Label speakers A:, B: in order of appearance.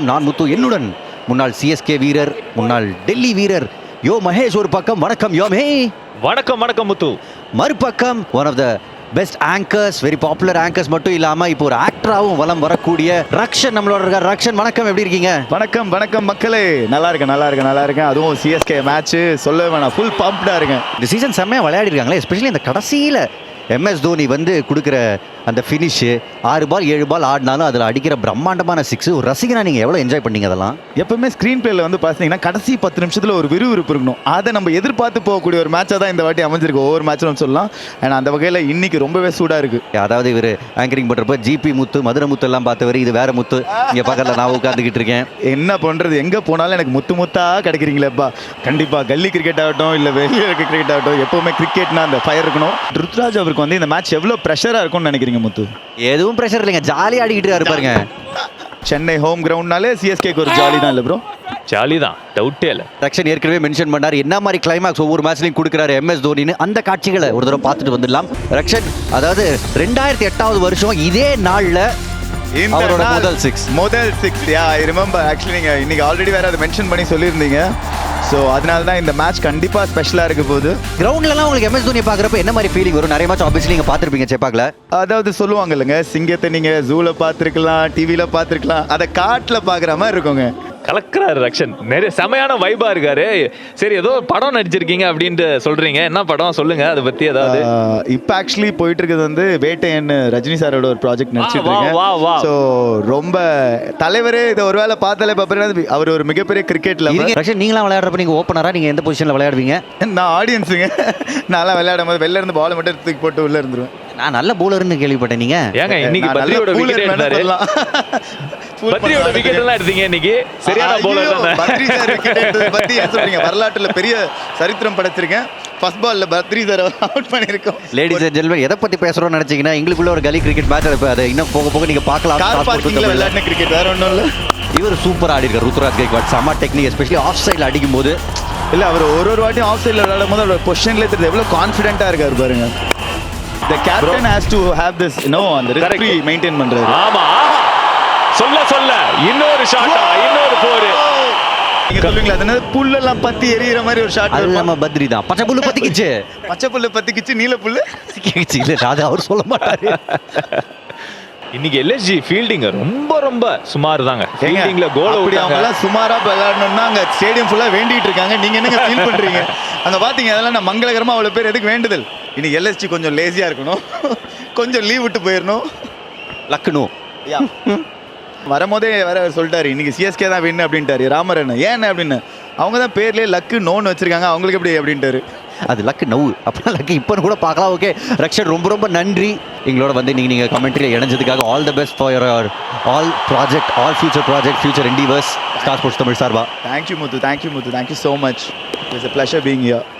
A: நான் முத்து, என்னுடன் முன்னாள் சிஎஸ்கே வீரர், முன்னாள் டெல்லி வீரர் யோ மகேஷ் ஒரு பக்கம். வணக்கம் யோமே.
B: வணக்கம் வணக்கம் முத்து.
A: மறுபக்கம் one of the best anchors, very popular anchors மட்டும் இல்லாமல் இப்போ ஒரு ஆக்டராகவும் வலம் வரக்கூடிய ரக்ஷன் நம்மளோட இருக்கார். ரக்ஷன் வணக்கம், எப்படி இருக்கீங்க?
C: வணக்கம் வணக்கம் மக்களே, நல்லா இருக்கேன். அதுவும் சிஎஸ்கே மேட்ச் சொல்ல வேணாம், ஃபுல் பம்ப்டாக இருக்கேன்.
A: இந்த சீசன் செம்மையாக விளையாடி இருக்காங்களே, எஸ்பெஷலி இந்த கடைசியில் எம்எஸ் தோனி வந்து கொடுக்குற அந்த ஃபினிஷு, 6 பால் 7 பால் ஆடினாலும் அதில் அடிக்கிற பிரம்மாண்டமான 6 ஒரு ரசிகனா நீங்கள் எவ்வளோ என்ஜாய் பண்ணீங்க அதெல்லாம்?
C: எப்பவுமே ஸ்க்ரீன் பிளேல வந்து பார்த்தீங்கன்னா கடைசி 10 நிமிஷத்தில் ஒரு விறுவிறுப்பு இருக்கணும். அதை நம்ம எதிர்பார்த்து போகக்கூடிய ஒரு மேட்சாக தான் இந்த வாட்டி அமைஞ்சிருக்கு, ஒவ்வொரு மேட்சும் சொல்லலாம். ஏன்னா அந்த வகையில் இன்னைக்கு ரொம்பவே சூடாக இருக்கு.
A: அதாவது இவர் ஆங்கரிங் பண்ணுறப்ப ஜிபி முத்து, மதுரை முத்து எல்லாம் பார்த்தவர், இது வேற முத்து. இங்கே பக்கத்தில் நான் உட்காந்துக்கிட்டு இருக்கேன்.
C: என்ன பண்ணுறது, எங்கே போனாலும் எனக்கு முத்தாக கிடைக்கிறீங்களேப்பா. கண்டிப்பாக கல்லி கிரிக்கெட் ஆகட்டும், இல்லை வெளியே இருக்க கிரிக்கெட் ஆகட்டும், எப்போவுமே கிரிக்கெட்னா அந்த ஃபயர் இருக்கணும். ருத்ராஜ் அவருக்கு வந்து இந்த மேட்ச் எவ்வளோ ப்ரெஷராக இருக்கும்னு நினைக்கிறீங்க முத்து?
A: எதுவும் ப்ரெஷர் இல்லைங்க, ஜாலியாக ஆடிக்கிட்டு இருப்பாருங்க.
C: சென்னை ஹோம் கிரவுண்ட்னாலே சிஎஸ்கேக்கு ஒரு ஜாலி தான் இல்லை ப்ரோ?
B: ஜாலி தான், டவுட்டே இல்லை.
A: ரக்ஷன் ஏற்கனவே மென்ஷன் பண்ணார் என்ன மாதிரி கிளைமாக்ஸ் ஒவ்வொரு மேட்ச்லையும் கொடுக்குறாரு எம்எஸ் தோனின்னு. அந்த காட்சிகளை ஒரு தடவை பார்த்துட்டு வந்துடலாம். ரக்ஷன், அதாவது 2008வது வருஷம் இதே நாளில் அவரோட
C: முதல் சிக்ஸ் ஐ ரிமெம்பர். ஆக்சுவலி நீங்கள் இன்னைக்கு ஆல்ரெடி வேற அதை மென்ஷன் பண்ணி சொல்லியிருந்தீங்க. ஸோ அதனால தான் இந்த மேட்ச் கண்டிப்பாக ஸ்பெஷலாக இருக்க போகுது.
A: கிரவுண்ட்லலாம் உங்களுக்கு எம்எஸ் தோனி பார்க்குறப்ப என்ன மாதிரி ஃபீலிங் வரும்? நிறைய மேட்ச் ஆப்வியஸ்லி நீங்கள் பார்த்துருப்பீங்க செப்பாக்கில்.
C: அதாவது சொல்லுவாங்க இல்லைங்க, சிங்கத்தை நீங்கள் ஜூவில் பார்த்துருக்கலாம், டிவியில் பார்த்துருக்கலாம், அதை காட்டில் பார்க்குற மாதிரி இருக்குங்க.
B: கலக்கிறாரு ரக்ஷன், நிறைய செமையான வைபா இருக்காரு. சரி, ஏதோ படம் நடிச்சிருக்கீங்க அப்படின்ட்டு சொல்றீங்க, என்ன படம் சொல்லுங்க, அதை பத்தி ஏதாவது.
C: இப்போ ஆக்சுவலி போயிட்டு இருக்கிறது வந்து வேட்டையன், ரஜினி சாரோட ஒரு ப்ராஜெக்ட் நடிச்சிட்டு இருக்கேன். ஸோ ரொம்ப தலைவரே இதை ஒருவேளை பார்த்தாலே பார்ப்பேன், அவர் ஒரு மிகப்பெரிய கிரிக்கெட்ல.
A: ரக்ஷன், நீங்களாம் விளையாடுறப்ப நீங்க ஓப்பனரா, நீங்க எந்த பொசிஷன்ல விளையாடுவீங்க?
C: நான் ஆடியன்ஸுங்க. நான்லாம் விளையாடும் போது வெளில இருந்து பால் மட்டும் தூக்கி போட்டு உள்ள இருந்துருவேன்.
A: நான் நல்ல பவுலர்னு கேள்விப்பட்டேன். நீங்க
B: ஏங்க இன்னைக்கு பத்ரியோட விக்கெட் எடுத்தாரு, பத்ரியோட விக்கெட் எல்லாம் எடுத்தீங்க இன்னைக்கு. சரியான பவுலர் தானே
C: பத்ரி சார். விக்கெட் எடுத்தது பத்தி ஏன் சொல்றீங்க? வரலாற்றுல பெரிய சரித்திரம் படைச்சிருக்கேன். ஃபர்ஸ்ட் பால்ல பத்ரி சார் அவுட் பண்ணிருக்கோம்.
A: லேடிஸ் அண்ட் ஜென்டில்மேன், எதை பத்தி பேசுறோம்னு நினைச்சீங்கன்னா எங்களுக்குள்ள ஒரு கலி கிரிக்கெட் மேட்ச் நடப்பு. அதை இன்னும் போக போக நீங்க பார்க்கலாம்.
C: கார் பார்க்கிங்ல விளையாடின கிரிக்கெட் வேற ஒன்றும் இல்லை.
A: இவர் சூப்பர் ஆடி இருக்கார் ருத்ராஜ் கைக்வாட். செம டெக்னிக், எஸ்பெஷலி ஆஃப் சைடில் அடிக்கும் போது.
C: இல்லை, அவர் ஒரு வாட்டியும் ஆஃப் சைடில் விளையாடும் போது அவரோட பொசிஷன்லேயே தெரியுது எவ்வளோ கான்ஃபிடென்ட்டாக இருக்காரு பாருங்க. The captain has to have this, அந்த risk free மெயின்டைன் பண்றாரு.
B: ஆமா, சொல்ல இன்னொரு ஷாட்டா, இன்னொரு போர்.
C: நீங்க சொல்லுவீங்களா, அதனால புல்லெல்லாம் பத்தி எரியிற மாதிரி ஒரு ஷாட்.
A: அது நம்ம பத்ரி தான். பச்சை புல்லு பத்திக்கிச்சு,
C: பச்சை புல்லு பத்திக்கிச்சு, நீல புல்லு
A: கிச்சு. இல்ல, அது அவர் சொல்ல மாட்டாரு.
B: இன்னைக்கு எல்எஸ்ஜி ஃபீல்டிங் ரொம்ப சுமார் தாங்க. ஃபீல்டிங்ல கோல்
C: அப்படி அவங்க சுமாரா விளையாடணும்னா அங்க ஸ்டேடியம் ஃபுல்லா வேண்டிட்டு இருக்காங்க. நீங்க என்னங்க ஃபீல் பண்றீங்க? அங்க பாத்தீங்க, அதெல்லாம் நான் மங்களகரமா அவ்வளவு பேர் எதுக்கு வேண்டுதல். இன்னைக்கு எல்எஸ்ஜி கொஞ்சம் லேசியா இருக்கணும், கொஞ்சம் லீவ் விட்டு போயிடணும்.
A: லக்னோ
C: வரும்போதே வேற சொல்லிட்டாரு, இன்னைக்கு சிஎஸ்கே தான் வின்னு அப்படின்ட்டாரு ராமரன். ஏன் அப்படின்னு, அவங்க தான் பேர்லேயே லக்கு நோன்னு வச்சிருக்காங்க, அவங்களுக்கு எப்படி அப்படின்ட்டாரு.
A: அது லக்கு நவு, அப்படின்னா லக்கு இப்போன்னு கூட பார்க்கலாம். ஓகே ரக்ஷன், ரொம்ப நன்றி எங்களோட வந்து நீங்கள் கமெண்ட்ரியில் இணைஞ்சதுக்காக. All the best for your all project, all future endeavours, Star Sports Tamil சார்பா.
C: Thank you Muthu, thank you so much. It's a pleasure being here.